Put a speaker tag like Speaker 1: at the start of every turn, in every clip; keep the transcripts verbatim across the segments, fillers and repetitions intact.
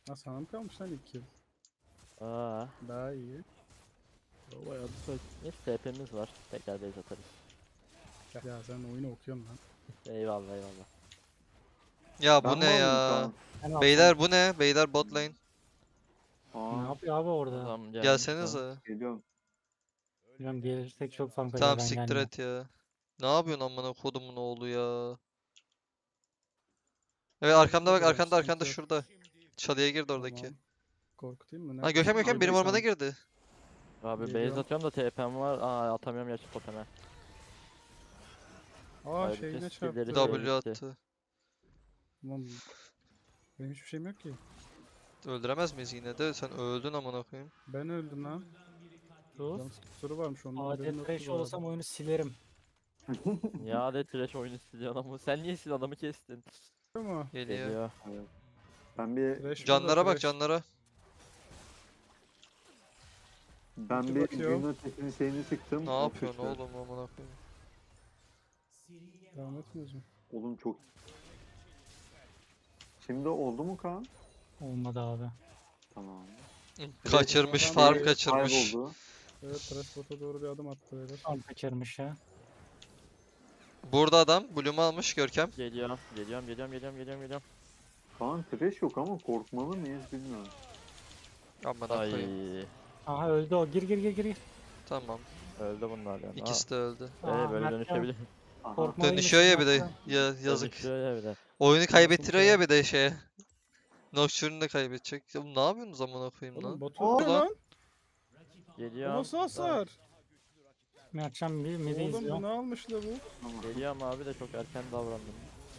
Speaker 1: Ha sana mı kalmış lan ilk kill?
Speaker 2: Aa,
Speaker 1: Daha iyi.
Speaker 2: bayağı bir saç. Neyse T P'miz var. Tekrar base atarız.
Speaker 1: Ya sen oyunu okuyorsun lan.
Speaker 2: Eyvallah eyvallah.
Speaker 3: Ya bu
Speaker 4: Ben
Speaker 3: ne
Speaker 4: mi aldım
Speaker 3: ya?
Speaker 4: Kaan?
Speaker 5: Ben alsam.
Speaker 3: Beyler bu ne? Beyler bot lane.
Speaker 5: Ne
Speaker 4: Aa,
Speaker 5: yapıyor abi orada?
Speaker 2: Tamam gelmiş
Speaker 3: Gelsenize.
Speaker 4: geliyorum.
Speaker 5: Bilmiyorum, gelirsek çok fark eder,
Speaker 3: Tamam
Speaker 5: ben
Speaker 3: siktir
Speaker 5: gelmem.
Speaker 3: et ya. Ne yapıyorsun amına kodumun oğlu ya? Evet arkamda bak,
Speaker 1: Şurada,
Speaker 3: arkanda arkanda
Speaker 1: sıkıntı yok.
Speaker 3: şurada. Çalıya girdi oradaki.
Speaker 1: Tamam. Korkutayım mı?
Speaker 3: Ha Gökhan Gökhan benim
Speaker 1: Neredesin?
Speaker 3: ormana girdi.
Speaker 2: Abi base
Speaker 1: Geliyorum.
Speaker 2: atıyorum da T P'm var. Aa atamıyorum gerçi poteme.
Speaker 1: Aa
Speaker 2: Ayrıca
Speaker 1: şeyine
Speaker 2: skill'leri
Speaker 1: çarptı.
Speaker 2: şey-
Speaker 3: W
Speaker 2: gitti.
Speaker 3: attı.
Speaker 1: Tamam. Benim hiçbir şeyim yok ki.
Speaker 3: Öldüremez miyiz yine de? Sen öldün amına koyayım.
Speaker 1: Ben öldüm lan.
Speaker 5: Sus.
Speaker 1: Can kusuru varmış onun. haberim
Speaker 5: Adet
Speaker 1: yoktu
Speaker 5: trash
Speaker 1: bu arada.
Speaker 5: olsam oyunu silerim.
Speaker 2: Ya de trash oyunu istiyor adamı. Sen niye sil adamı kestin?
Speaker 1: Değil mi?
Speaker 3: Geliyor.
Speaker 2: Geliyor.
Speaker 4: Evet. Ben bir
Speaker 1: Trash burada,
Speaker 3: Canlara bak
Speaker 1: trash.
Speaker 3: canlara.
Speaker 4: ben
Speaker 1: Ulti
Speaker 4: bir
Speaker 1: bakıyor.
Speaker 4: gün ötesinin şeyini sıktım.
Speaker 3: Ne
Speaker 4: o
Speaker 3: yapıyorsun
Speaker 4: sıçtı.
Speaker 3: oğlum amına koyayım?
Speaker 1: Devam etmiyoruz mu?
Speaker 4: Oğlum çok. Şimdi oldu mu Kaan?
Speaker 5: Olmadı abi.
Speaker 4: Tamam.
Speaker 3: Kaçırmış,
Speaker 1: adam
Speaker 3: farm
Speaker 1: bir
Speaker 3: kaçırmış.
Speaker 4: Kayboldu.
Speaker 1: Evet trash bota doğru bir adım attı beyler.
Speaker 5: Tam kaçırmış ya.
Speaker 3: Burada adam Bloom'u almış Görkem.
Speaker 2: Geliyorum. Geliyorum geliyorum geliyorum geliyorum geliyorum.
Speaker 4: Kaan trash yok ama korkmalı mıyız bilmiyorum.
Speaker 3: Amına koyayım.
Speaker 2: Ay.
Speaker 5: Aha öldü o. Gir gir gir gir.
Speaker 3: Tamam.
Speaker 2: Öldü bunlar yani.
Speaker 3: İkisi de öldü.
Speaker 2: Aa,
Speaker 5: Aa,
Speaker 2: ee, böyle
Speaker 5: Mert
Speaker 2: dönüşebilir.
Speaker 4: Aha.
Speaker 5: Korkmalıyız
Speaker 3: Dönüşüyor ya bir de.
Speaker 5: Mert'ten.
Speaker 3: Ya yazık.
Speaker 2: Dönüşüyor ya bir de.
Speaker 3: Oyunu kaybettiriyor
Speaker 1: şey.
Speaker 3: ya bir de şeye. Nocturne'u da kaybedecek. Ya oğlum ne yapıyorsunuz amına koyayım
Speaker 1: Oğlum
Speaker 3: lan?
Speaker 1: bot
Speaker 4: Aa,
Speaker 1: öldü lan. Bu
Speaker 2: Geliyorum.
Speaker 1: nasıl hasar?
Speaker 5: Mertcan bir midi
Speaker 1: Oğlum
Speaker 5: izliyor.
Speaker 1: bu ne almış la bu?
Speaker 4: Tamam.
Speaker 2: Geliyorum abi de çok erken davrandım.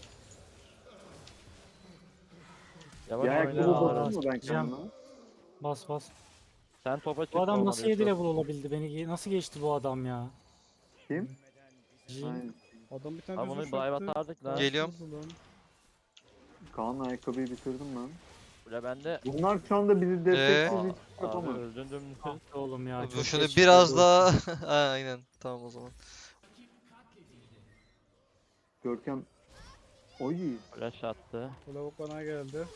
Speaker 2: Yavaş
Speaker 4: Bir
Speaker 2: oyna
Speaker 4: ayakkabı
Speaker 2: alırız.
Speaker 4: basın mı ben
Speaker 5: Cam.
Speaker 4: kendime?
Speaker 5: Bas bas.
Speaker 2: Sen topa çık.
Speaker 5: Bu adam
Speaker 2: olmadı
Speaker 5: nasıl
Speaker 2: Yusuf.
Speaker 5: yedi level olabildi? Beni ge- nasıl geçti bu adam ya?
Speaker 4: Kim?
Speaker 5: Jin.
Speaker 4: Aynen.
Speaker 1: Adam bir tane
Speaker 2: Abi bunu
Speaker 1: düz
Speaker 2: dive
Speaker 1: attı.
Speaker 2: atardık lan.
Speaker 3: Geliyorum.
Speaker 4: Kaan ayakkabıyı bitirdim ben.
Speaker 2: Bile bende.
Speaker 4: Bunlar şu anda bizi desteksiz
Speaker 2: Aa,
Speaker 4: hiç
Speaker 2: abi
Speaker 4: yapamaz.
Speaker 2: öldün dümdüz.
Speaker 5: Ah be oğlum ya.
Speaker 3: Bu
Speaker 5: çok
Speaker 3: şunu
Speaker 5: geç
Speaker 3: biraz
Speaker 5: oldu.
Speaker 3: daha... Ha, aynen. Tamam o zaman.
Speaker 4: Görkem. Oy.
Speaker 2: Flash attı.
Speaker 1: Bu lavuk bana geldi.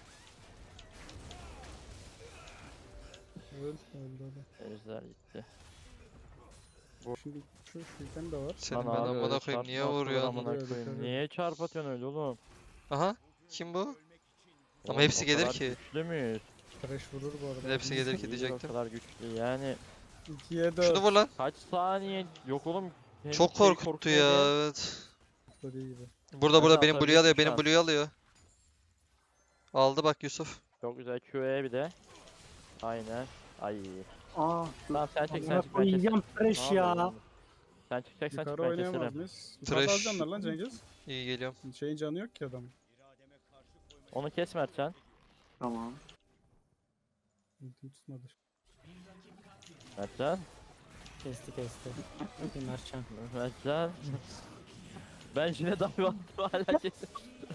Speaker 1: Öl, öldü öldü.
Speaker 2: Ejder gitti.
Speaker 1: Şimdi şu şuradan da var.
Speaker 3: Senin
Speaker 2: Lan
Speaker 3: ben
Speaker 2: abi,
Speaker 3: amına
Speaker 2: öyle
Speaker 3: koyayım niye
Speaker 2: çarpma atılır
Speaker 3: vuruyorsun?
Speaker 2: amına
Speaker 1: Vuruyor,
Speaker 2: koyayım.
Speaker 1: dikkat
Speaker 2: Niye çarp atıyorsun öyle oğlum?
Speaker 3: Aha. Kim bu? Ama
Speaker 2: Oğlum,
Speaker 3: hepsi
Speaker 2: o
Speaker 3: gelir
Speaker 2: kadar
Speaker 3: ki.
Speaker 2: Güçlü müyüz?
Speaker 1: Trash vurur bu arada.
Speaker 3: Hepsi gelir ki
Speaker 2: Değiliz,
Speaker 3: diyecektim.
Speaker 2: O kadar güçlü yani.
Speaker 1: ikiye dört.
Speaker 3: Şunu vur lan.
Speaker 2: Kaç saniye? Yok oğlum. Hem
Speaker 3: Çok
Speaker 2: şey
Speaker 3: korkuttu
Speaker 2: korkuyor
Speaker 3: ya
Speaker 2: diye.
Speaker 3: evet.
Speaker 1: Dediği gibi.
Speaker 3: Burada
Speaker 2: Hadi
Speaker 3: burada benim Blue'yu alıyor.
Speaker 2: atabilirsin şu
Speaker 3: Benim
Speaker 2: an.
Speaker 3: Blue'yu alıyor. Aldı bak Yusuf.
Speaker 2: Çok güzel Q E bir de. Aynen. Ay.
Speaker 4: Aa. dur.
Speaker 2: Tamam sen çek sen
Speaker 5: Amına
Speaker 2: çık ben keserim.
Speaker 5: koyacağım trash
Speaker 2: Ne
Speaker 5: ya.
Speaker 2: yapıyorsun? Sen çıkacaksan çık
Speaker 1: Yukarı
Speaker 2: ben
Speaker 1: oynayamaz
Speaker 2: keserim.
Speaker 1: mıyız? Yukarıda
Speaker 3: Trash.
Speaker 1: alacağım lan Cengiz.
Speaker 3: İyi geliyorum.
Speaker 1: Şeyin canı yok ki adamın.
Speaker 2: Onu kes Mertcan.
Speaker 4: Tamam.
Speaker 1: Ultim tutmadı.
Speaker 2: Mertcan.
Speaker 5: Kesti kesti. Hadi Mertcan.
Speaker 2: Mertcan. Ben yine davi attım hala kesin.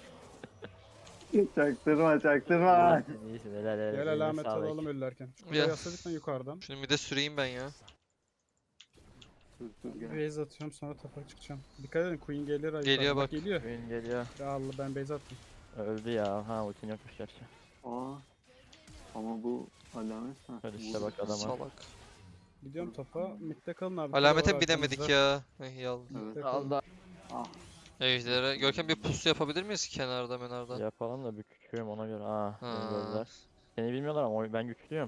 Speaker 4: Çaktırma çaktırma.
Speaker 2: İyisin helal helal.
Speaker 1: Gel
Speaker 2: eline
Speaker 1: alamet
Speaker 2: sağlık.
Speaker 1: alalım ölürken. Şu
Speaker 3: Ya.
Speaker 1: kuleyi atladık lan yukarıdan.
Speaker 3: Şunu bir de süreyim ben ya.
Speaker 4: Dur dur gel.
Speaker 1: Base atıyorum sonra tapa çıkacağım. Dikkat edin Queen gelir. ay
Speaker 3: Geliyor
Speaker 1: yukarıdan.
Speaker 3: bak.
Speaker 1: Geliyor.
Speaker 2: Oyun geliyor.
Speaker 1: Ya Allah ben base attım.
Speaker 2: Öldü ya. Ha ultin yokmuş gerçi.
Speaker 4: Aa. Ama bu alamet ha.
Speaker 2: Hadi işte
Speaker 4: vurdu.
Speaker 2: bak adama.
Speaker 3: Salak.
Speaker 1: Gidiyorum tapa. Mid'de kalın abi. kule
Speaker 3: Alamete
Speaker 1: var
Speaker 3: binemedik
Speaker 1: arkamızda.
Speaker 3: ya. Eh iyi aldı.
Speaker 4: Evet.
Speaker 1: Mid'de kalın.
Speaker 2: Allah.
Speaker 4: Ah.
Speaker 3: Ejder'e. Görkem bir pusu yapabilir miyiz kenarda menarda?
Speaker 2: Yapalım da bir küçüğüm ona göre. Aa. beni
Speaker 3: Ha.
Speaker 2: gördüler. Seni bilmiyorlar ama oy- ben güçlüyüm.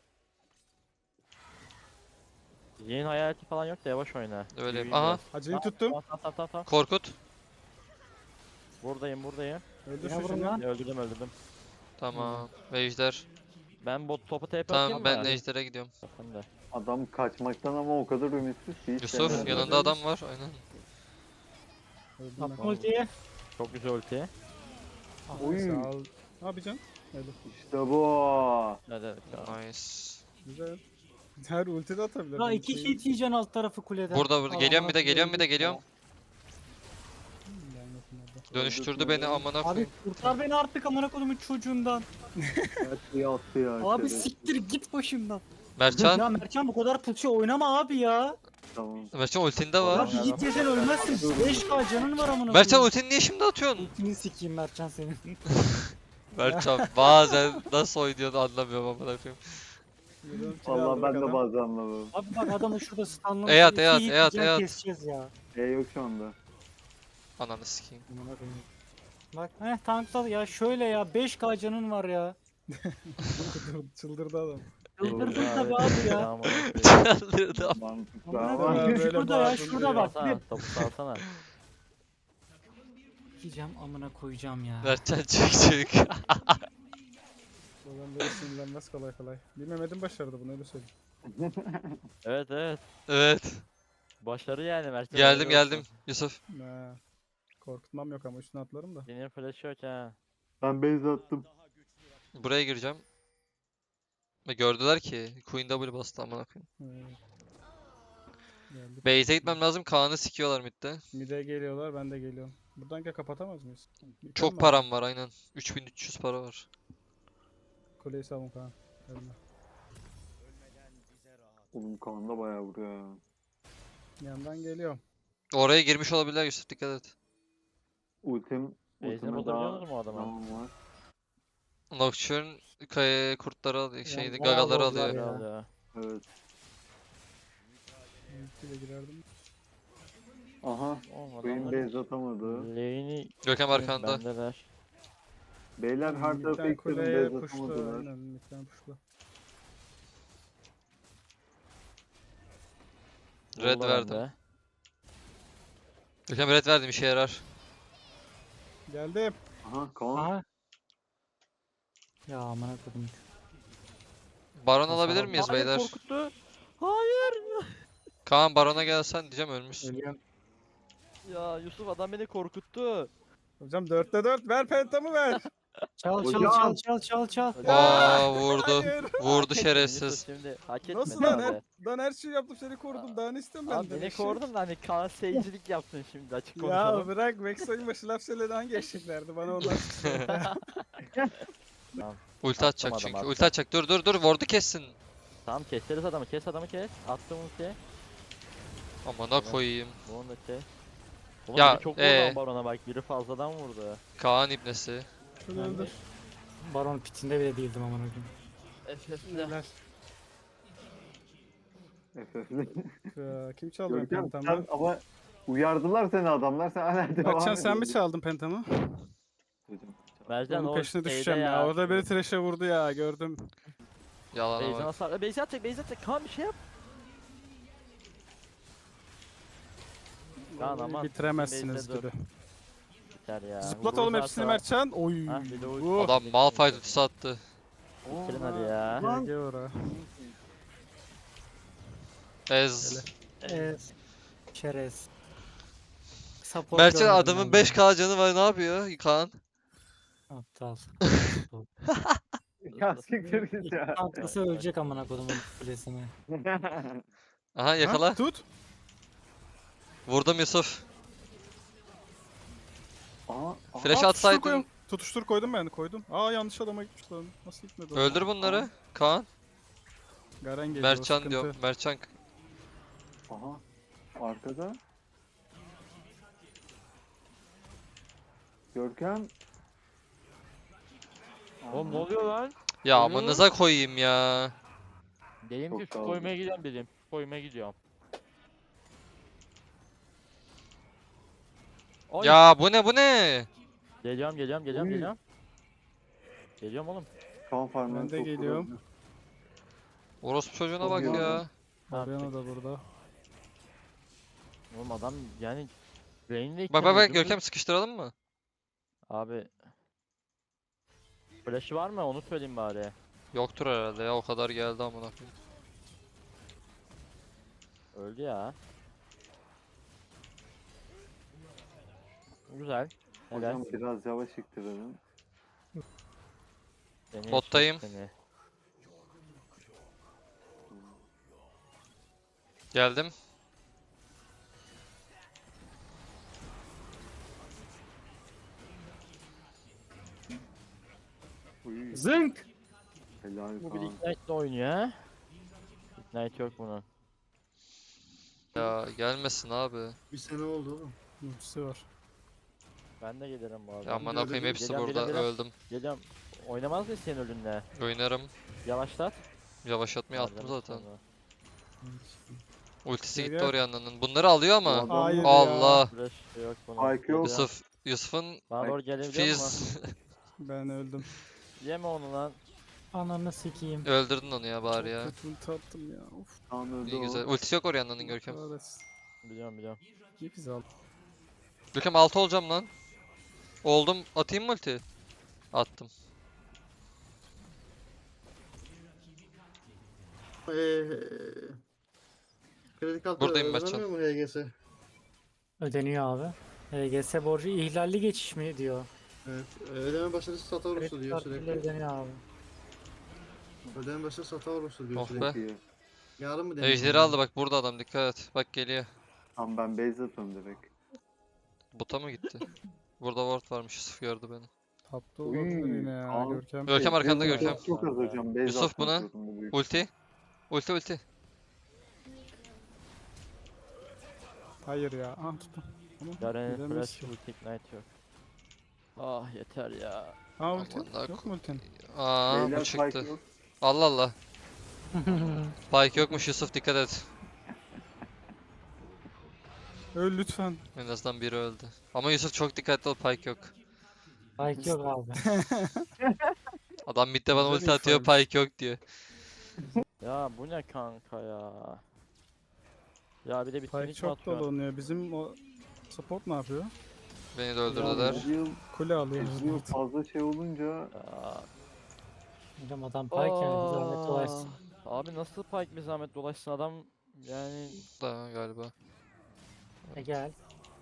Speaker 2: Yayın hayaleti falan yok da yavaş oyna.
Speaker 3: Öyle.
Speaker 2: Yürüyün
Speaker 3: Aha.
Speaker 2: biraz.
Speaker 1: Hacı'yı tuttum.
Speaker 2: Tamam tamam tamam tamam.
Speaker 3: Korkut.
Speaker 2: Buradayım buradayım.
Speaker 1: Öldür
Speaker 5: Ne
Speaker 1: şu
Speaker 5: vurun
Speaker 1: şimdi.
Speaker 5: lan?
Speaker 2: Öldürdüm öldürdüm.
Speaker 3: Tamam. Ve Ejder.
Speaker 2: Ben bot topu T P atayım
Speaker 3: Tamam
Speaker 2: mı?
Speaker 3: ben
Speaker 2: abi?
Speaker 3: Ejder'e gidiyorum.
Speaker 2: Ben de.
Speaker 4: Adam kaçmaktan ama o kadar ümitsiz ki hiç
Speaker 3: Yusuf
Speaker 4: denemedi.
Speaker 3: yanında adam var. Aynen.
Speaker 1: Öldüm ben.
Speaker 5: Atma ultiyi.
Speaker 2: Çok güzel ulti.
Speaker 4: Oy.
Speaker 1: Sağ ol. Ne yapacaksın? Öyle.
Speaker 4: İşte bu.
Speaker 2: Hadi hadi. tamam.
Speaker 3: Nice.
Speaker 1: Güzel. Her ulti de atabilir.
Speaker 5: La
Speaker 1: Ben
Speaker 5: iki
Speaker 1: şeyim-
Speaker 5: hit yiyeceksin alt tarafı kuleden.
Speaker 3: Burada burada.
Speaker 5: Al,
Speaker 3: Geliyorum bir
Speaker 5: amına
Speaker 3: de geliyorum bir de
Speaker 5: koyayım.
Speaker 3: geliyorum.
Speaker 1: Ben yokum orada.
Speaker 3: Dönüştürdü beni amına
Speaker 5: Abi
Speaker 3: koyayım.
Speaker 5: kurtar beni artık amına kodumun çocuğundan.
Speaker 4: Her şeyi attı ya.
Speaker 5: Abi
Speaker 4: şerefsiz.
Speaker 5: siktir git başımdan.
Speaker 3: Mertcan.
Speaker 5: Ya Mertcan bu kadar pulçu oynama abi ya.
Speaker 4: Tamam.
Speaker 3: Mertcan ultinde
Speaker 5: Ya
Speaker 3: var.
Speaker 5: bir hit yesen ölmezsin. beş K canın var amına
Speaker 3: Mertcan
Speaker 5: koyayım.
Speaker 3: ultini niye şimdi atıyorsun?
Speaker 5: Ultini sikeyim Mertcan senin.
Speaker 3: Mertcan bazen nasıl oynuyordu anlamıyorum amına koyayım.
Speaker 1: Yürüyorum, kilo
Speaker 4: Vallahi
Speaker 1: aldı
Speaker 4: ben
Speaker 1: bak
Speaker 4: de
Speaker 1: adam.
Speaker 4: bazen anlamıyorum.
Speaker 5: Abi bak adamı şurada stunlamış.
Speaker 3: Eyat,
Speaker 5: iki
Speaker 3: eyat,
Speaker 5: hit
Speaker 3: eyat,
Speaker 5: can
Speaker 3: eyat.
Speaker 5: keseceğiz ya.
Speaker 4: E yok şu anda.
Speaker 3: Ananı sikeyim.
Speaker 1: Amına koyayım.
Speaker 5: Bak heh tankladı ya şöyle ya beş K canın var ya.
Speaker 1: Çıldırdı adam.
Speaker 5: Çıldırdın
Speaker 2: Ya,
Speaker 5: tabii
Speaker 2: evet,
Speaker 5: abi ya.
Speaker 2: amına koyayım.
Speaker 3: Çaldırdı.
Speaker 4: Mantıklı
Speaker 5: Amına
Speaker 4: ama.
Speaker 5: koyayım,
Speaker 1: böyle
Speaker 5: şurada ya
Speaker 1: bağırdın
Speaker 5: şurada
Speaker 1: diyor.
Speaker 5: bak.
Speaker 2: Salsana,
Speaker 5: Bir
Speaker 2: topu salsana.
Speaker 5: yiyeceğim amına koyacağım ya.
Speaker 3: Mertcan çık çık.
Speaker 1: Adam böyle sinirlenmez kolay kolay. Bir Mehmet'in başardı bunu öyle söyleyeyim.
Speaker 2: Evet evet.
Speaker 3: Evet.
Speaker 2: Başarı yani Mertcan.
Speaker 3: Geldim
Speaker 2: helal
Speaker 3: geldim
Speaker 2: olsun.
Speaker 3: Yusuf.
Speaker 1: Ha. Korkutmam yok ama üstüne atlarım da.
Speaker 2: Senin flash yok ha.
Speaker 4: Ben base attım.
Speaker 3: Buraya gireceğim. Ve gördüler ki Queen W bastı amına koyayım.
Speaker 1: Evet. Geldik.
Speaker 3: Base'e gitmem lazım. Kaan'ı sikiyorlar midde.
Speaker 1: Mide geliyorlar ben de geliyorum. Buradan gel kapatamaz mıyız? Bir
Speaker 3: Çok
Speaker 1: kalma.
Speaker 3: param var aynen. üç bin üç yüz para var.
Speaker 1: Kuleyi savun Kaan. Ölme.
Speaker 4: Oğlum Kaan da bayağı vuruyor ya.
Speaker 1: Yandan geliyorum.
Speaker 3: Oraya girmiş olabilirler Yusuf dikkat et.
Speaker 4: Ultim.
Speaker 2: Base'ini
Speaker 4: Ultime
Speaker 2: bulabiliyor
Speaker 4: daha
Speaker 2: mu o adamı?
Speaker 4: zaman var.
Speaker 3: Nocturne kaya kurtları alıyor. Şeydi
Speaker 5: bayağı
Speaker 3: gagaları
Speaker 5: bozdular
Speaker 3: alıyor.
Speaker 5: ya.
Speaker 2: Herhalde.
Speaker 4: Evet.
Speaker 1: Ultiyle girerdim.
Speaker 4: Aha.
Speaker 2: Oğlum
Speaker 4: Queen
Speaker 2: adamlar
Speaker 4: base atamadı.
Speaker 2: lane'i
Speaker 3: Görkem arkanda.
Speaker 2: bendeler.
Speaker 4: Beyler her tarafa
Speaker 1: Midden
Speaker 4: ekledim
Speaker 1: kuleye
Speaker 4: base
Speaker 1: puşla.
Speaker 4: atamadılar.
Speaker 1: Aynen midden puşla.
Speaker 3: Red
Speaker 2: Vurdular
Speaker 3: verdim.
Speaker 2: bende.
Speaker 3: Görkem red verdim işe yarar.
Speaker 1: Geldim.
Speaker 4: Aha Kaan.
Speaker 5: Aha. Ya amına koydum.
Speaker 3: Baron
Speaker 5: Hasar
Speaker 3: alabilir
Speaker 5: aldım.
Speaker 3: miyiz
Speaker 2: Hayır,
Speaker 3: beyler?
Speaker 2: korkuttu. Hayır.
Speaker 3: Kaan Baron'a gelsen diyeceğim ölmüş.
Speaker 5: Ölüyorum.
Speaker 2: Ya Yusuf adam beni korkuttu.
Speaker 1: Hocam dörtte dört ver pentamı ver.
Speaker 5: Çal çal
Speaker 4: Hocam.
Speaker 5: çal çal çal çal.
Speaker 3: Aa vurdu.
Speaker 1: Hayır.
Speaker 3: Vurdu
Speaker 2: Hak etmedin
Speaker 3: şerefsiz.
Speaker 2: Yusuf şimdi. Hak etmedin
Speaker 1: Nasıl lan?
Speaker 2: abi.
Speaker 1: Her, lan her şeyi yaptım seni korudum. Daha ne istiyorum
Speaker 2: Abi
Speaker 1: benden?
Speaker 2: beni
Speaker 1: eşek?
Speaker 2: korudun da hani Kaan seyircilik yaptın şimdi açık
Speaker 1: Ya
Speaker 2: konuşalım.
Speaker 1: bırak Max oyun başı laf söyledi hangi eşeklerdi bana onlar.
Speaker 3: Ulti atacak
Speaker 2: Attım
Speaker 3: çünkü.
Speaker 2: adam,
Speaker 3: Ulti atacak. Dur dur dur. Ward'u kessin.
Speaker 2: Tamam keseriz adamı kes adamı kes. Attım ulti.
Speaker 3: Amına koyayım.
Speaker 2: Bunu da kes. Oğlum
Speaker 3: Ya,
Speaker 2: biri çok vurdu
Speaker 3: ee?
Speaker 2: ama barona bak biri fazladan vurdu.
Speaker 3: Kaan ibnesi.
Speaker 1: Şunu öldür.
Speaker 5: Baron pitinde bile değildim amına koyayım.
Speaker 1: Neler?
Speaker 4: F F'li.
Speaker 1: Ya, kim çaldı benim
Speaker 4: Görkem
Speaker 1: pentamı?
Speaker 4: sen ama uyardılar seni adamlar sen hala devam
Speaker 1: Berkcan sen mi
Speaker 4: ediyorsun.
Speaker 1: çaldın pentamı?
Speaker 4: Hocam,
Speaker 2: Mercan
Speaker 1: Onun
Speaker 2: o
Speaker 1: peşine
Speaker 2: şeyde
Speaker 1: düşeceğim ya. Orada beni trash'e vurdu ya gördüm.
Speaker 3: Yalana
Speaker 2: Beyzden
Speaker 3: bak.
Speaker 2: hasar. Beyze atacak Beyze atacak. Kaan bir şey yap. Kaan
Speaker 1: Vallahi
Speaker 2: aman.
Speaker 1: Bitiremezsiniz
Speaker 2: Base'de dur.
Speaker 1: gibi.
Speaker 2: Biter ya.
Speaker 1: Zıplat
Speaker 2: Vururlarsa-
Speaker 1: oğlum hepsini Mertcan. Oy.
Speaker 2: Ha, bir de o-
Speaker 1: Bu.
Speaker 3: Adam Malphite ultisi attı.
Speaker 2: Bitirin hadi ya.
Speaker 4: Lan.
Speaker 1: G G ora.
Speaker 3: Ez.
Speaker 5: Evet. Çerez. Support
Speaker 3: Mertcan
Speaker 5: görmedim
Speaker 3: adamın
Speaker 5: ben
Speaker 3: beş K canı var ne yapıyor Kaan?
Speaker 5: ya. Aptal.
Speaker 4: Ya siktir git ya.
Speaker 5: Tanklısı ölecek amına kodumun kulesine.
Speaker 3: Aha yakala.
Speaker 1: Ha, tut.
Speaker 3: Vurdum Yusuf.
Speaker 4: Aha, aha.
Speaker 3: Flash
Speaker 1: Aa, tutuştur
Speaker 3: atsaydın.
Speaker 1: koyun. Tutuştur koydum ben koydum. Aa yanlış adama gitmiş lan. Nasıl gitmedi o?
Speaker 3: Öldür bunları. Kaan.
Speaker 1: Garen geliyor.
Speaker 3: Mertcan
Speaker 1: sıkıntı.
Speaker 3: diyorum. Mertcan.
Speaker 4: Aha. Arkada. Görkem.
Speaker 2: Oğlum ne oluyor lan?
Speaker 3: Ya
Speaker 2: Oluyor.
Speaker 3: amanıza koyayım ya.
Speaker 2: Dedim ki
Speaker 4: Çok
Speaker 2: şu
Speaker 4: sağ ol.
Speaker 2: koymaya gidiyorum dedim. Koymaya gidiyorum. Oy.
Speaker 3: Ya bu ne bu ne?
Speaker 2: Geliyorum geliyorum geliyorum
Speaker 4: Uy.
Speaker 2: geliyorum. Geliyorum oğlum.
Speaker 4: Kan farmını
Speaker 1: Ben de
Speaker 4: çok
Speaker 1: geliyorum.
Speaker 4: kullandı.
Speaker 3: Orospu çocuğuna
Speaker 4: Çok
Speaker 3: bak
Speaker 4: iyi
Speaker 3: ya.
Speaker 4: oldu.
Speaker 1: Mariano da burada.
Speaker 2: Oğlum adam yani lane'de
Speaker 3: Bak bak bak Görkem sıkıştıralım mı?
Speaker 2: Abi. Flash'ı var mı onu söyleyeyim bari.
Speaker 3: Yoktur herhalde ya o kadar geldi amına koyayım.
Speaker 2: Öldü ya. Güzel. Helal.
Speaker 4: Hocam biraz yavaş iktirelim.
Speaker 2: Seni
Speaker 3: Bottayım.
Speaker 2: yaşadık seni.
Speaker 3: Geldim.
Speaker 4: Uy,
Speaker 5: Zınk!
Speaker 4: helal
Speaker 2: Bu bir
Speaker 4: Kaan.
Speaker 2: Ignite'le oynuyor ha. Ignite yok bunun.
Speaker 3: Ya gelmesin abi.
Speaker 6: Bir sene oldu oğlum.
Speaker 1: Ultisi var.
Speaker 2: Ben de gelirim bu arada.
Speaker 3: Ya aman koyayım hepsi
Speaker 2: Geliyorum,
Speaker 3: burada,
Speaker 2: geliyorum,
Speaker 3: öldüm.
Speaker 2: Geliyorum. Oynamaz mısın senin ölünle?
Speaker 3: Oynarım.
Speaker 2: Yavaşlat.
Speaker 3: Yavaşlatmayı attım
Speaker 2: Harcarız
Speaker 3: zaten.
Speaker 2: sonra.
Speaker 3: Ultisi
Speaker 1: Gel,
Speaker 3: gitti
Speaker 1: gel.
Speaker 3: Orianna'nın. Bunları alıyor ama.
Speaker 4: Adam-
Speaker 1: Hayır ya.
Speaker 3: Allah.
Speaker 2: Flash yok bunun.
Speaker 4: Spike yok.
Speaker 3: Yusuf. Yusuf'un
Speaker 2: Bana doğru gelebiliyor mu?
Speaker 3: Fizz.
Speaker 1: Ben öldüm.
Speaker 2: Yeme onu lan.
Speaker 5: Ananı sikeyim.
Speaker 3: Öldürdün onu ya bari ya.
Speaker 1: Kötü ulti attım ya. Of.
Speaker 4: Kaan öldü
Speaker 3: İyi
Speaker 4: o.
Speaker 3: güzel. Ultisi yok Orianna'nın Görkem.
Speaker 1: kahretsin.
Speaker 2: Biliyorum biliyorum.
Speaker 1: Niye bizi aldın?
Speaker 3: Görkem altı olacağım lan. Oldum. Atayım mı ulti? Attım.
Speaker 6: Eee kredi kartı
Speaker 3: Buradayım Mertcan.
Speaker 6: ödemiyor mu H G S?
Speaker 5: Ödeniyor abi. H G S borcu ihlalli geçiş mi diyor.
Speaker 6: Evet. e, Ödeme başarısı hata olursa
Speaker 5: Kredi
Speaker 6: diyor
Speaker 5: kartıyla
Speaker 6: sürekli.
Speaker 5: ödeniyor abi.
Speaker 6: Ödeme başarısı hata olursa diyor
Speaker 3: Oh
Speaker 6: sürekli.
Speaker 3: be.
Speaker 4: Çok iyi.
Speaker 6: Yarın mı deniyor?
Speaker 3: Ejderi aldı bak burada adam dikkat et. Bak geliyor.
Speaker 4: Tamam ben base atıyorum direkt.
Speaker 3: Bota mı gitti? Burada ward varmış Yusuf gördü beni.
Speaker 1: Tapta
Speaker 4: Uy,
Speaker 1: olabilir yine ya
Speaker 4: al.
Speaker 1: Görkem.
Speaker 3: Görkem arkanda
Speaker 4: Çok-
Speaker 3: Görkem.
Speaker 4: Çok az hocam. Base
Speaker 3: Yusuf
Speaker 4: atmak
Speaker 3: buna.
Speaker 4: zorunda büyük.
Speaker 3: Ulti. Ulti ulti.
Speaker 1: Hayır ya. Ah tuttum. Ama
Speaker 2: Garen'in
Speaker 1: gidemez
Speaker 2: flash
Speaker 1: ki.
Speaker 2: ulti ignite yok. Ah yeter ya.
Speaker 1: Ha ulti.
Speaker 3: Aman da
Speaker 1: Yok mu ultin?
Speaker 3: Aa
Speaker 4: Beyler
Speaker 3: bu
Speaker 4: Spike
Speaker 3: çıktı.
Speaker 4: yok.
Speaker 3: Allah Allah. Pike yokmuş Yusuf dikkat et.
Speaker 1: Öl lütfen.
Speaker 3: En azından biri öldü. Ama Yusuf çok dikkatli ol Pike yok.
Speaker 5: Spike yok abi.
Speaker 3: Adam midde bana
Speaker 1: Güzel
Speaker 3: ulti atıyor
Speaker 1: infoymuş.
Speaker 3: Pike yok diyor.
Speaker 2: Ya bu ne kanka ya. Ya bir de bir
Speaker 1: Pike
Speaker 2: tweet mi
Speaker 1: çok
Speaker 2: atıyor?
Speaker 1: dolanıyor. Bizim o support ne yapıyor?
Speaker 3: Beni de
Speaker 4: Ya
Speaker 3: öldürdüler.
Speaker 4: Ezreal,
Speaker 1: Kule alıyor.
Speaker 4: Ezreal fazla şey olunca
Speaker 2: Ya.
Speaker 5: Hocam adam Pike yani bir zahmet dolaşsın.
Speaker 2: Aa, Abi nasıl Pike bir zahmet dolaşsın adam yani
Speaker 3: Da galiba.
Speaker 5: E gel.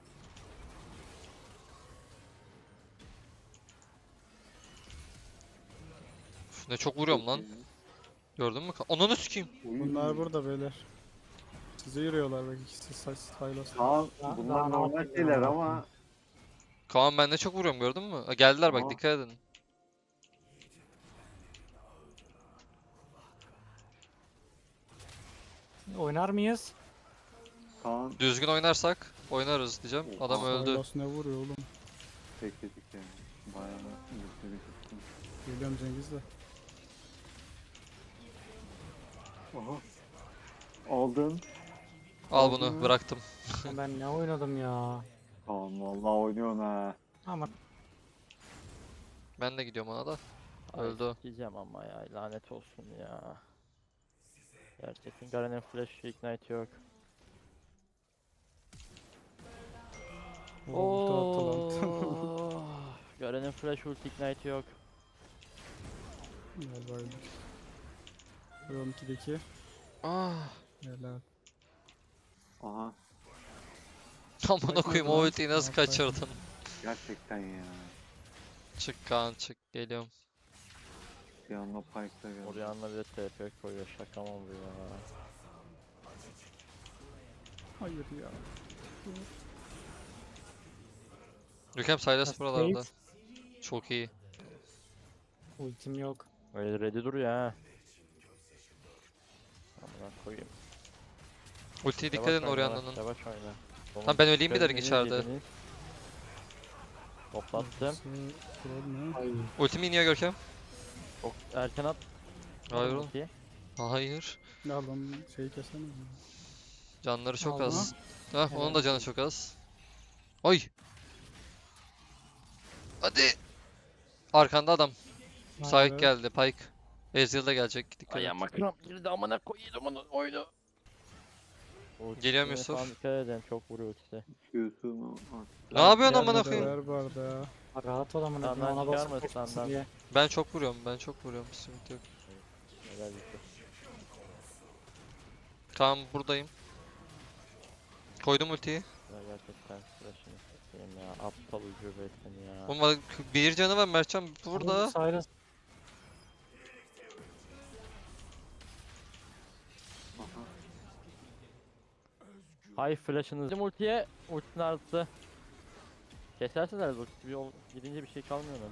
Speaker 3: Üf, ne çok vuruyorum lan. Gördün mü? Ananı sikeyim.
Speaker 4: Uy.
Speaker 1: Bunlar burada beyler. Size yürüyorlar bak ikisi saç Sylas.
Speaker 4: Kaan
Speaker 5: Daha-
Speaker 4: bunlar
Speaker 5: daha ne
Speaker 4: normal
Speaker 5: yapayım
Speaker 4: şeyler
Speaker 5: ya?
Speaker 4: ama
Speaker 3: Kaan ben ne çok vuruyorum gördün mü? Aa, geldiler bak
Speaker 4: Aa.
Speaker 3: dikkat edin.
Speaker 5: Oynar mıyız?
Speaker 4: Kaan
Speaker 3: Düzgün oynarsak oynarız diyeceğim. Adam
Speaker 4: Oha.
Speaker 3: öldü.
Speaker 1: Sylas ne vuruyor oğlum?
Speaker 4: bekledik yani. Bayağı bekledik.
Speaker 1: Geliyorum Cengiz de.
Speaker 4: Aha. Aldın.
Speaker 3: Al
Speaker 4: Aldın
Speaker 3: bunu
Speaker 4: mı?
Speaker 3: bıraktım.
Speaker 5: Ben ne oynadım ya.
Speaker 4: Kaan vallahi oynuyorsun ha.
Speaker 5: Ama
Speaker 3: Ben de gidiyorum ona da.
Speaker 2: ay,
Speaker 3: Öldü o.
Speaker 2: diyeceğim ama ya lanet olsun ya. Gerçekten Garen'in flash ignite yok.
Speaker 1: O ulti attı lan.
Speaker 2: Oo. Garen'in flash ulti ignite yok.
Speaker 1: Galiba öldük. Rom ikideki.
Speaker 3: Ah.
Speaker 1: Helal.
Speaker 4: Aha.
Speaker 3: Amına koyayım o
Speaker 1: lan.
Speaker 3: ultiyi nasıl
Speaker 1: Aferin.
Speaker 3: kaçırdın?
Speaker 4: Gerçekten ya.
Speaker 3: Çık Kaan çık geliyorum.
Speaker 4: Bir anda Pike'da geldi.
Speaker 2: Orianna bir de T P koyuyor şaka mı bu ya?
Speaker 1: Hayır ya.
Speaker 3: Görkem Sylas
Speaker 5: Nasıl
Speaker 3: buralarda.
Speaker 5: değil?
Speaker 3: Çok iyi.
Speaker 5: ultim yok.
Speaker 2: Öyle ready duruyor ha. Amına koyayım.
Speaker 3: Ultiye dikkat
Speaker 2: Yavaş
Speaker 3: edin
Speaker 2: oyna,
Speaker 3: Orianna'nın.
Speaker 2: Yavaş oyna.
Speaker 3: Lan ben öleyim bir
Speaker 2: Görünümü
Speaker 3: derin içeride.
Speaker 2: yediniz. Toplattım.
Speaker 1: Burası troll ne?
Speaker 5: Ay.
Speaker 3: Ultimi iniyor Görkem.
Speaker 2: Çok erken at.
Speaker 3: Hayır oğlum.
Speaker 2: Ultiyi.
Speaker 3: Hayır.
Speaker 1: Ya lan şeyi kesemez mi?
Speaker 3: Canları çok
Speaker 1: Aldı.
Speaker 3: az. Hah onun da
Speaker 5: Evet.
Speaker 3: canı çok az. Oy. Hadi. Arkanda adam. Sahip
Speaker 1: Evet.
Speaker 3: geldi Pike. Ezreal da gelecek. Dikkat et.
Speaker 2: Ayağıma kramp girdi amına koyayım onu oyunu.
Speaker 3: Geliyorum
Speaker 2: Ultisine
Speaker 3: Yusuf.
Speaker 2: falan dikkat edin çok vuruyor ultisi.
Speaker 4: Q'sunu at.
Speaker 3: Ne yapıyorsun
Speaker 2: Gel
Speaker 3: amına
Speaker 2: burada.
Speaker 3: koyayım?
Speaker 1: Ver bu arada ya.
Speaker 5: Rahat ol amına
Speaker 2: Senden
Speaker 5: koyayım, ona
Speaker 2: çıkar
Speaker 5: basıp
Speaker 2: mı
Speaker 5: kaçmasın
Speaker 2: senden?
Speaker 5: diye.
Speaker 3: Ben çok vuruyorum. Ben çok vuruyorum. Sıkıntı yok.
Speaker 2: Helal Yusuf.
Speaker 3: Tamam buradayım. Koydum ultiyi.
Speaker 2: Ya gerçekten flash'ını satayım ya. Aptal ucube seni ya.
Speaker 3: Oğlum bak, bir canı var Mertcan burada.
Speaker 5: Cyrus
Speaker 4: Aha.
Speaker 2: Hay flash'ınız. Bizim ultiye ultinin artı. Keserseniz ulti bir yol gidince bir şey kalmıyor mu?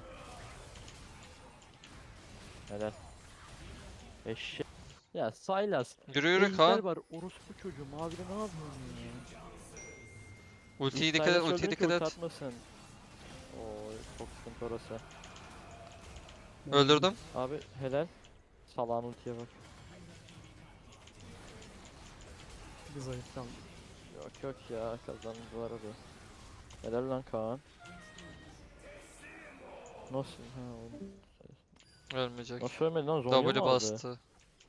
Speaker 2: Helal. Eşek. Ya Sylas.
Speaker 3: Yürü yürü
Speaker 2: Ejder
Speaker 3: Kaan.
Speaker 2: var orospu çocuğu. Mavide ne yapıyorsun ya?
Speaker 3: Ultiyi
Speaker 2: İlk
Speaker 3: dikkat et.
Speaker 2: Sylas
Speaker 3: Ultiye
Speaker 2: öldürün ki
Speaker 3: dikkat
Speaker 2: ulti
Speaker 3: et.
Speaker 2: atmasın. Oo çok sıkıntı orası.
Speaker 3: Öldürdüm.
Speaker 2: Abi helal. Salağın ultiye bak.
Speaker 1: Bir zayıf kaldı.
Speaker 2: Yok yok ya kazandılar abi. Helal lan Kaan. Nasıl? Ha, oğlum.
Speaker 3: Ölmeyecek.
Speaker 2: Nasıl ölmedi lan? Zonya
Speaker 3: W
Speaker 2: mı aldı?
Speaker 3: bastı.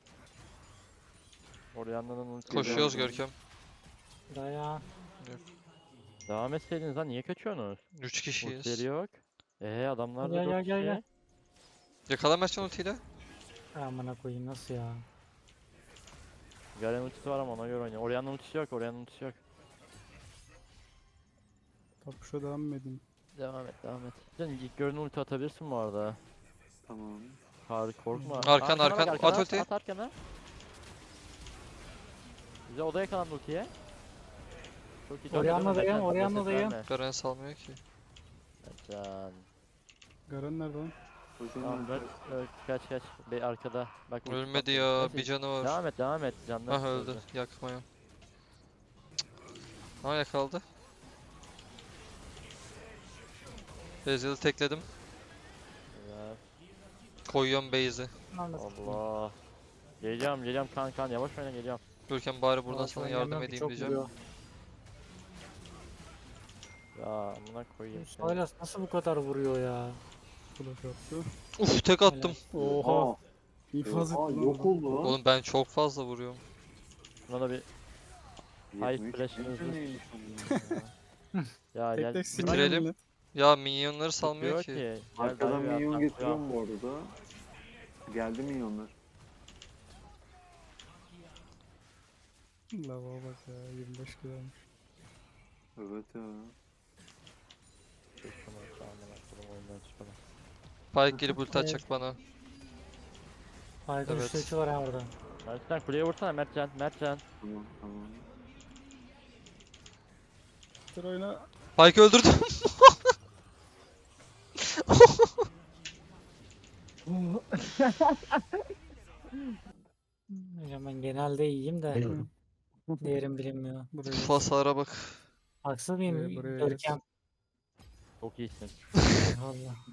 Speaker 2: Orianna'nın ultiyi
Speaker 3: Koşuyoruz
Speaker 2: aldı.
Speaker 3: Görkem.
Speaker 5: Dayan.
Speaker 2: Devam etseydiniz lan niye kaçıyorsunuz?
Speaker 3: üç
Speaker 2: Ultileri
Speaker 3: kişiyiz.
Speaker 2: yok. Eee adamlar da
Speaker 5: Gel,
Speaker 2: dört
Speaker 5: gel, gel,
Speaker 2: kişi.
Speaker 5: gel.
Speaker 3: Yakala Mertcan ultiyle.
Speaker 5: Amına koyayım nasıl ya?
Speaker 2: Garen ultisi var ama ona göre oynuyor. Orianna ultisi yok, Orianna ultisi yok.
Speaker 1: Tapuşa devam mı edeyim?
Speaker 2: Devam et, devam et. Sen ilk görünen ulti atabilirsin bu arada.
Speaker 4: Tamam.
Speaker 2: Harika korkma.
Speaker 3: Arkan,
Speaker 2: Arkana bak,
Speaker 3: arkan,
Speaker 2: arkana
Speaker 3: at
Speaker 2: at,
Speaker 3: ultiyi.
Speaker 2: At arkana. Bize odaya yakalandı ultiye. Çok iyi.
Speaker 5: Orianna'dayım,
Speaker 2: Mertcan,
Speaker 5: Orianna'dayım.
Speaker 2: reset verme.
Speaker 3: Garen salmıyor ki.
Speaker 2: Mertcan.
Speaker 1: Garen nerede lan?
Speaker 2: Tamam
Speaker 4: Hocam
Speaker 2: ver, ver, kaç kaç. Be arkada. Bak ulti
Speaker 3: Ölmedi
Speaker 2: patladı.
Speaker 3: ya.
Speaker 2: Neyse,
Speaker 3: Bir canı var.
Speaker 2: Devam et, devam et. Canlar
Speaker 3: Ah öldü. Yakmaya. Ha yakaladı. Ezreal'ı tekledim. Koyuyorum base'i.
Speaker 2: Allah. Geliyorum, geliyorum kan kan yavaş oyna geliyorum.
Speaker 3: Görkem bari buradan
Speaker 5: Yavaş
Speaker 3: sana
Speaker 5: oynayamam
Speaker 3: yardım
Speaker 5: ki,
Speaker 3: edeyim
Speaker 5: çok
Speaker 3: diyeceğim.
Speaker 5: vuruyor.
Speaker 2: Ya amına koyayım seni.
Speaker 5: Sylas nasıl bu kadar vuruyor ya?
Speaker 1: Flash attı.
Speaker 3: Uf tek attım.
Speaker 1: Oha.
Speaker 4: Aa,
Speaker 1: İnfaz etti
Speaker 4: aa,
Speaker 1: lan
Speaker 4: yok
Speaker 1: adam.
Speaker 4: oldu lan.
Speaker 3: Oğlum ben çok fazla vuruyorum.
Speaker 2: Buna da bir High
Speaker 4: yetmiş
Speaker 2: flash'ınızı-
Speaker 4: metre neymiş onun ya?
Speaker 2: ya
Speaker 1: Tek
Speaker 2: gel.
Speaker 1: tek sinirli
Speaker 3: Bitirelim.
Speaker 1: millet.
Speaker 3: Ya minyonları salmıyor
Speaker 2: Diyor
Speaker 3: ki.
Speaker 2: Gel
Speaker 4: Arkadan
Speaker 2: dive at,
Speaker 4: minyon
Speaker 2: at,
Speaker 4: getiriyorum bu arada. Geldi minyonlar.
Speaker 1: Lava bak ya yirmi beş kiloymuş.
Speaker 4: Evet ya.
Speaker 2: Çek şunu, amına koyayım, oyundan çıkalım.
Speaker 3: Pyke gelip ulti atacak bana.
Speaker 5: Aydın
Speaker 3: Evet.
Speaker 5: üçte üçü var ha orada.
Speaker 2: Mertcan kuleye vursana Mertcan, Mertcan.
Speaker 4: Tamam tamam.
Speaker 1: Dur oyna.
Speaker 3: Pyke öldürdüm.
Speaker 5: Hocam ben genelde iyiyim de değerim bilinmiyor.
Speaker 1: Buraya
Speaker 3: Uf, hasara bak.
Speaker 5: Haksız
Speaker 1: Buraya-
Speaker 5: mıyım
Speaker 1: buraya
Speaker 5: Görkem?
Speaker 2: Çok iyisin.
Speaker 5: Allah.